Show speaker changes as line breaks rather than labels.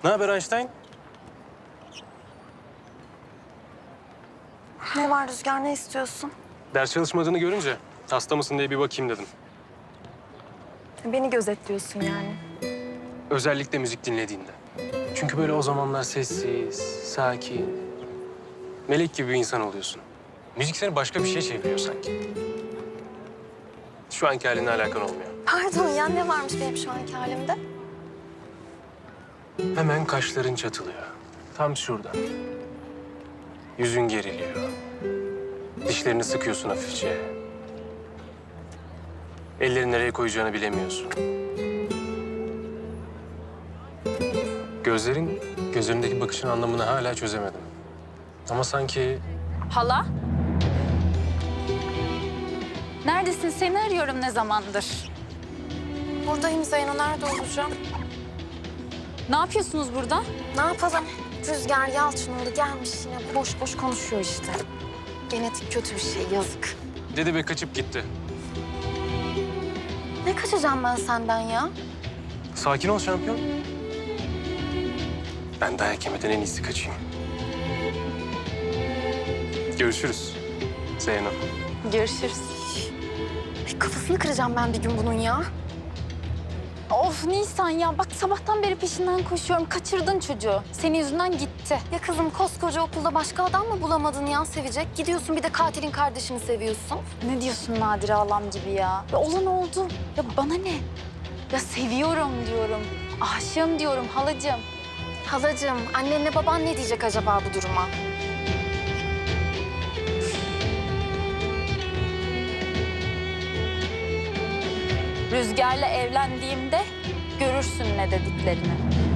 Ne haber Einstein?
Ne var Rüzgar, ne istiyorsun?
Ders çalışmadığını görünce hasta mısın diye bir bakayım dedim.
Beni gözetliyorsun yani.
Özellikle müzik dinlediğinde. Çünkü böyle o zamanlar sessiz, sakin, melek gibi bir insan oluyorsun. Müzik seni başka bir şeye çeviriyor sanki. Şu anki halinle alakan olmuyor.
Pardon ya, ne varmış benim şu anki halimde?
Hemen kaşların çatılıyor. Tam şurada. Yüzün geriliyor. Dişlerini sıkıyorsun hafifçe. Ellerini nereye koyacağını bilemiyorsun. Gözlerindeki bakışın anlamını hala çözemedim. Ama sanki
Hala? Neredesin? Seni arıyorum ne zamandır.
Buradayım Zeyno, nerede olacağım?
Ne yapıyorsunuz burada?
Ne yapalım? Rüzgar Yalçınoğlu gelmiş yine boş boş konuşuyor işte. Genetik kötü bir şey, yazık.
dedi ve kaçıp gitti.
Ne kaçacağım ben senden ya?
Sakin ol şampiyon. Ben dayak yemeden en iyisi kaçayım. Görüşürüz Zeyno.
Görüşürüz.
Ay, kafasını kıracağım ben bir gün bunun ya.
Of Nisan ya, bak sabahtan beri peşinden koşuyorum. Kaçırdın çocuğu. Senin yüzünden gitti.
Ya kızım, koskoca okulda başka adam mı bulamadın ya sevecek? Gidiyorsun bir de katilin kardeşini seviyorsun.
Ne diyorsun Nadire halam gibi ya? Ya olan oldu. Ya bana ne? Ya seviyorum diyorum. Aşığım diyorum halacığım.
Halacığım, annenle baban ne diyecek acaba bu duruma?
Rüzgar'la evlendiğimde görürsün ne dediklerini.